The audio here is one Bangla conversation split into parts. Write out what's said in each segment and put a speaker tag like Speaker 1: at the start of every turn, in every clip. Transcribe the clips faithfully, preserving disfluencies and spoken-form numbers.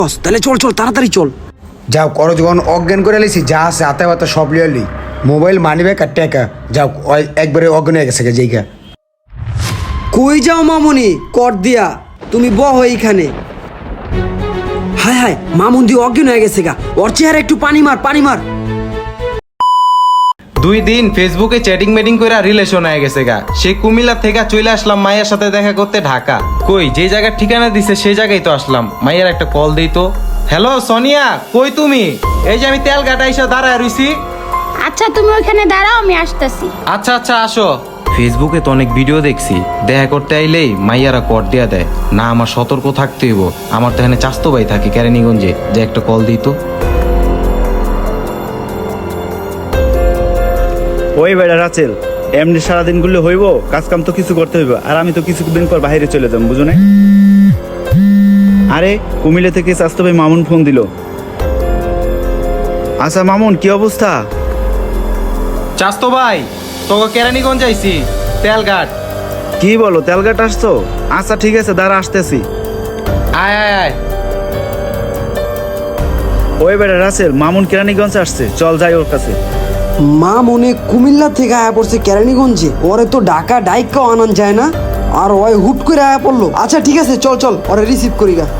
Speaker 1: বস তাহলে চল চল তাড়াতাড়ি চল।
Speaker 2: যাও করো যখন অজ্ঞান করে লিছি যা আছে হাতে হাতে সব লিয়ালি মোবাইল মানি ব্যাগ আর টাকা যাও ওই একবারে অজ্ঞান হয়ে গেছে যেইগা।
Speaker 1: কই যাও মামুনি কর দিয়া তুমি বহ এইখানে। হায় হায় মামুন দি অজ্ঞান হয়ে গেছে গা, ওর চেহারা একটু পানি মার পানি মার।
Speaker 3: দুই দিন ফেসবুকে চ্যাটিং মেটিং করে রিলেশন হয়ে গেছে গা। সেই কুমিল্লা থেকে চলে আসলাম মায়ের সাথে দেখা করতে ঢাকা। কই যে জায়গার ঠিকানা দিছে সেই জায়গায় তো আসলাম। মায়ের একটা কল দেই তো। হ্যালো সোনিয়া, কই তুমি? এই যে আমি তেল গাটা এসে দাঁড়ায় রইছি।
Speaker 4: আচ্ছা তুমি ওইখানে দাঁড়াও, আমি আসতেছি।
Speaker 3: আচ্ছা আচ্ছা আসো। ফেসবুকে তো অনেক ভিডিও দেখছি, দেখা করতে আইলেই মাইয়ারা কর দিয়া দেয় না। আমার সতর্ক থাকতে হইব। আমার তো এখানে চাস্তো ভাই থাকে কেরানীগঞ্জে, যে একটা কল দিই তো।
Speaker 5: ওই বেড়া রাচেল, এমনি সারাদিন গুলো হইব, কাজ কাম তো কিছু করতে হইব, আর আমি তো কিছুদিন পর বাইরে চলে যাবো, বুঝো না? আরে কুমিল্লা থেকে স্বাস্থ্য ভাই মামুন ফোন দিল। আচ্ছা মামুন, কি অবস্থা?
Speaker 3: চাস্তো ভাই তোকে কেরানীগঞ্জ আইছি তেলঘাট।
Speaker 5: কি বলো, তেলঘাট আসছো? আচ্ছা ঠিক আছে, দাঁড়া আসতেছি।
Speaker 3: আয় আয় আয়।
Speaker 5: ওই বেড়া রাসেল, মামুন কেরানীগঞ্জ আসছে, চল যাই ওর কাছে।
Speaker 1: মা মনে কুমিল্লা থেকে আয়া পড়ছে কেরানীগঞ্জে, ওরে তো ঢাকা ডাইকাও আনান যায় না, আর ওই হুট করে আয়া পড়লো। আচ্ছা ঠিক আছে চল চল ওরে রিসিভ করি গা।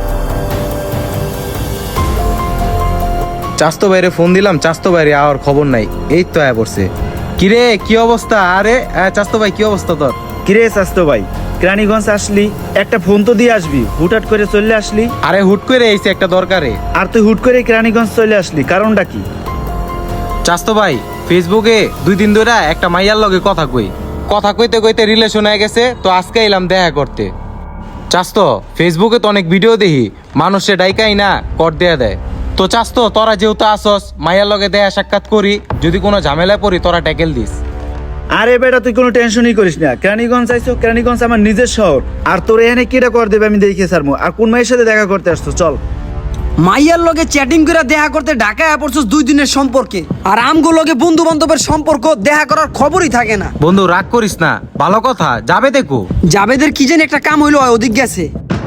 Speaker 3: চাস্তো বাইরে ফোন দিলাম, চাস্তো বাইরে আর খবর নাই। এই তো আয়া পড়ছে। কিরে কি অবস্থা? আরে চাস্তো ভাই কি অবস্থা তোর?
Speaker 5: কিরে স্বাস্থ্য ভাই, কেরানীগঞ্জ আসলি, একটা ফোন তো দিয়ে আসবি, হুটহাট করে চলে আসলি।
Speaker 3: আরে হুট করে এইছে একটা দরকারে।
Speaker 5: আর তুই হুট করে কেরানীগঞ্জ চলে আসলি, কারণটা কি?
Speaker 3: চাস্তো ভাই ফেসবুকে দুই দিন ধরে একটা মাইয়ার লগে কথা কই, কথা কইতে কইতে রিলেশন হয়ে গেছে, তো আজকে এলাম দেখা করতে। চাস্তো ফেসবুকে তো অনেক ভিডিও দেখি মানুষে ডাইকাই না কর দেয়া দেয়। তো চাস্তো তোরা যেহেতু আসস, মাইয়ার লগে দেখা সাক্ষাৎ করি, যদি কোনো ঝামেলায় পড়ি তোরা ট্যাকেল দিস।
Speaker 5: আরে বেটা তুই কোনো টেনশনই করিস না, কেরানীগঞ্জ আইছো, কেরানীগঞ্জ আমার নিজের শহর, আর তোর এখানে কিটা কর দেবে আমি দেখে সারমু। আর কোন মায়ের সাথে দেখা করতে আসছো? চল।
Speaker 1: মাইয়ার লগে চ্যাটিং করে দেখা করতে ঢাকায় আয়া পড়ছস দুই দিনের সম্পর্কে, আর আমগো লগে বন্ধু বান্ধবের সম্পর্ক দেখা করার খবরই থাকে না।
Speaker 3: বন্ধু রাগ করিস না, ভালো কথা, যাবে দেখো।
Speaker 1: জাবেদের কি যেন একটা কাম হইলো, হয় ওদিক গেছে।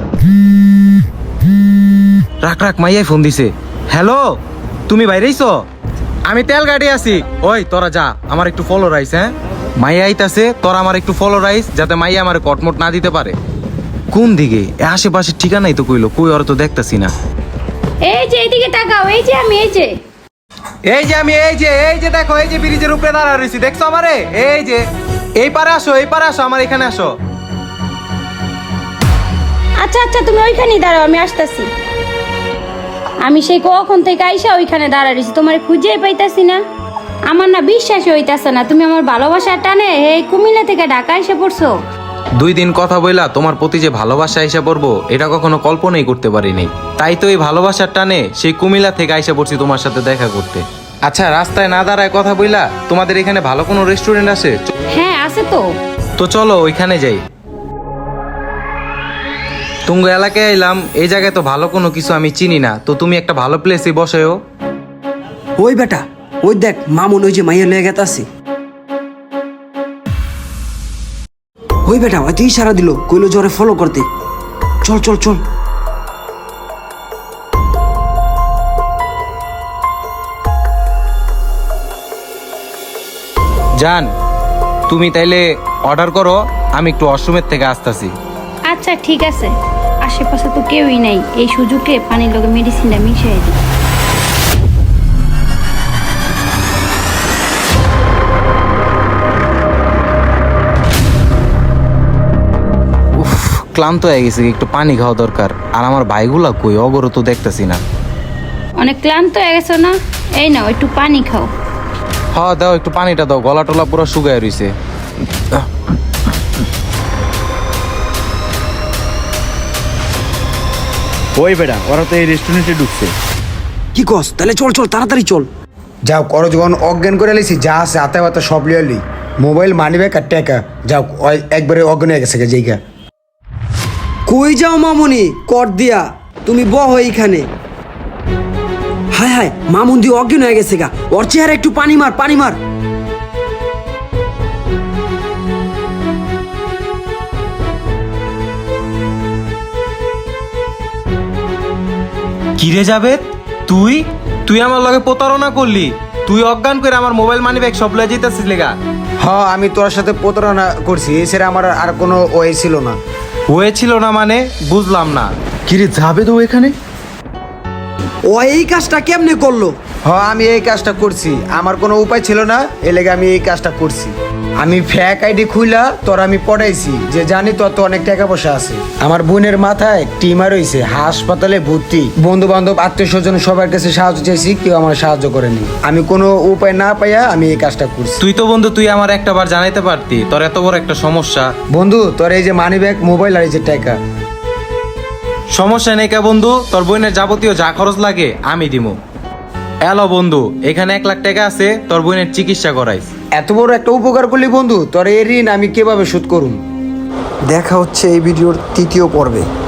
Speaker 3: রাখ রাখ, মাইয়াই ফোন দিছে। হ্যালো, তুমি বাইরেইছো? আমি তেল গাড়ি আছি। ওই তোরা যা, আমার একটু ফলো রাইস। হ্যাঁ মাইয়া আইতাছে, তোরা আমার একটু ফলো রাইস, যাতে মাইয়া আমার কটমট না দিতে পারে। কোন দিকে? আশেপাশে ঠিকানাই তো কইলো, কই ওরা তো দেখতাছি না।
Speaker 4: এই যে এইদিকে তাকাও, এই যে আমি, এই যে
Speaker 3: এই যে আমি, এই যে এই যে দেখো, এই যে ব্রিজের উপরে দাঁড়া রইছি, দেখছো আমারে? এই যে এই পারে আসো, এই পারে আসো, আমার এখানে আসো।
Speaker 4: আচ্ছা আচ্ছা তুমি ওইখানেই দাঁড়াও, আমি আসতেছি। আমি সেই কখন থেকে আইসা ওইখানে দাঁড়াইছি, তোমার খুঁজেই পাইতাছি না। আমার না বিশ্বাসই হইতাছে না, তুমি আমার ভালোবাসার টানে এই কুমিল্লা থেকে ঢাকা এসে পড়ছো।
Speaker 3: দুই দিন কথা বইলা তোমার প্রতি যে ভালোবাসা আইসা পড়বো, এটা কখনো কল্পনাই করতে পারিনি। তাই তো এই ভালোবাসার টানে সেই কুমিল্লা থেকে আইসা পড়ছি তোমার সাথে দেখা করতে। আচ্ছা রাস্তায় না দাঁড়ায় কথা বইলা, তোমাদের এখানে ভালো কোনো রেস্টুরেন্ট আছে?
Speaker 4: হ্যাঁ আছে তো।
Speaker 3: তো চলো ওইখানে যাই। তুঙ্গ এলাকায় এলাম, এই জায়গায় তো ভালো কোনো কিছু আমি চিনি না, তো তুমি একটা ভালো প্লেসে বসেও।
Speaker 1: ওই বেটা ওই দেখ মামুন ওই যে মাইয়া লয়ে গেতাছে। ওই বেটা হয়তো ইশারা দিল, কইলো জোরে ফলো করতে। চল চল চল।
Speaker 3: জান তুমি তাইলে অর্ডার করো, আমি একটু ওয়াশরুমের থেকে আসতেছি।
Speaker 4: আচ্ছা ঠিক আছে, আশেপাশে তো কেউই নাই, এই সুযোগে পানির লগে মেডিসিনটা মিশিয়ে দিই।
Speaker 3: ক্লান্ত হয়ে গেছে, একটু পানি খাওয়া দরকার। আর আমার ভাইগুলা কই, অগরও তো দেখতেছি না।
Speaker 4: অনেক ক্লান্ত হয়ে গেছো না? এই নাও একটু পানি খাও।
Speaker 3: হ্যাঁ দাও, একটু পানিটা দাও, গলা টলা পুরো শুকায় রইছে।
Speaker 5: ওই বেড়া, ওরা তো এই রেস্টুরেন্টে ঢুকছে।
Speaker 1: কি কস? তাহলে চল চল তাড়াতাড়ি চল।
Speaker 2: যাও করো যখন অজ্ঞান করে লিছি যা আছে হাতে হাতে সব লিয়ালি মোবাইল মানি ব্যাগ আর টাকা যাও ওই একবারে অজ্ঞান হয়ে গেছে যেইগা।
Speaker 1: কই যাও মামুনি কর দিয়া তুমি বহ এইখানে। হায় হায় মামুন দি অজ্ঞান হয়ে গেছে গা, ওর চেহারা একটু পানি মার পানি মার।
Speaker 3: কিরে যাবে তুই তুই আমার লগে প্রতারণা করলি তুই অজ্ঞান করে আমার মোবাইল মানি ব্যাগ সব লয়ে যেতেছিস লেগা
Speaker 2: হ আমি তোর সাথে প্রতারণা করছি এছাড়া আমার আর কোনো ওয়ে ছিল না।
Speaker 3: হয়েছিল না মানে বুঝলাম না।
Speaker 5: কিরে যাবে তো এখানে?
Speaker 1: ও এই কাজটা কেমনে করলো?
Speaker 2: হ আমি এই কাজটা করছি, আমার কোনো উপায় ছিল না এ লেগে আমি এই কাজটা করছি। আমি ফ্যাক আইডি খুইলা তোর আমি পড়াইছি যে জানি তোর তো অনেক টাকা পয়সা আছে। আমার বোনের মাথায় টিমার হয়েছে, হাসপাতালে ভর্তি, বন্ধু বান্ধব আত্মীয় স্বজন সবার কাছে সাহায্য চাইছি, কেউ আমার সাহায্য করেনি। আমি কোনো উপায় না পাইয়া আমি এই কাজটা করছি।
Speaker 3: তুই তো বন্ধু তুই আমার একটা বার জানাইতে পারতি তোর এত বড় একটা সমস্যা।
Speaker 2: বন্ধু তোর এই যে মানি ব্যাগ মোবাইল আর এই যে টাকা।
Speaker 3: সমস্যা নেই কে বন্ধু, তোর বোনের যাবতীয় যা খরচ লাগে আমি দিমু। এলো বন্ধু এখানে এক লাখ টাকা আছে, তোর বোনের চিকিৎসা করাইস।
Speaker 2: এত বড় একটা উপকার করলি বন্ধু, তোর এই ঋণ আমি কিভাবে শোধ করুম?
Speaker 1: দেখা হচ্ছে এই ভিডিওর তৃতীয় পর্বে।